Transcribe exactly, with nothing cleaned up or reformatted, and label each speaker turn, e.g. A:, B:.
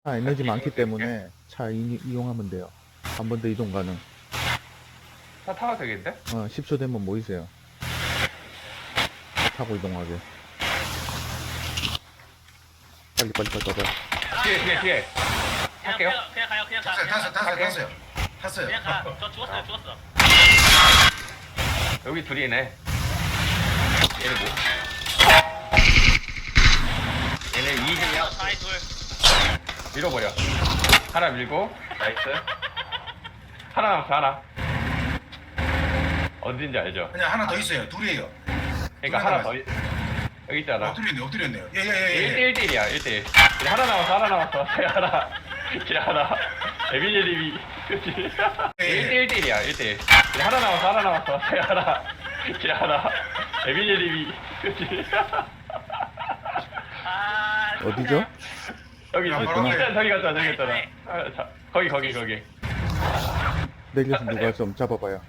A: 차 에너지 많기 때문에 차 이, 이용하면 돼요. 한 번 더 이동 가능.
B: 차 타도 되겠는데?
A: 어, 십 초 되면 모이세요. 차 타고 이동하게. 빨리 빨리 빨리 빨리.
B: 뒤에 뒤에 뒤에
C: 그냥
B: 할게요.
C: 그냥 그냥 가요 그냥 가
D: 탔어요,
C: 그냥
D: 탔어요,
C: 가.
D: 탔어요,
B: 오케이.
D: 탔어요. 탔어요.
C: 그냥 가저 죽었어요 죽었어.
B: 여기 둘이네. 얘네 뭐? 얘네 이등이야.
C: 사이 둘.
B: 밀어버려. 하나 밀고 나이스. 하나 남았어 하나. 어딘지 알죠?
D: 그냥 하나 더 있어요. 둘이에요.
B: 그러니까
D: 둘
B: 하나 더 있- 여기 있잖아.
D: 엎드렸네요, 엎드렸네요. 예, 예, 예,
B: 일
D: 예.
B: 대 일 대 일이야 일 대 일. 그래, 하나 남았어 하나 남았어. 그래, 하나. 그래, 하나. 에비제리비. 그치?
D: 예, 예.
B: 일 대 일 대 일이야 일 대 일. 그래, 하나 남았어 하나 남았어. 그래, 하나. 그래, 하나. 에비제리비. 그치?
C: 아
A: 어디죠?
B: 여기
D: 야,
B: 저기
D: 바로 앞에.
B: 저기 갔잖아 저기 갔잖아. 아, 자, 거기 거기 거기.
A: 내려서 누가 좀 잡아봐요.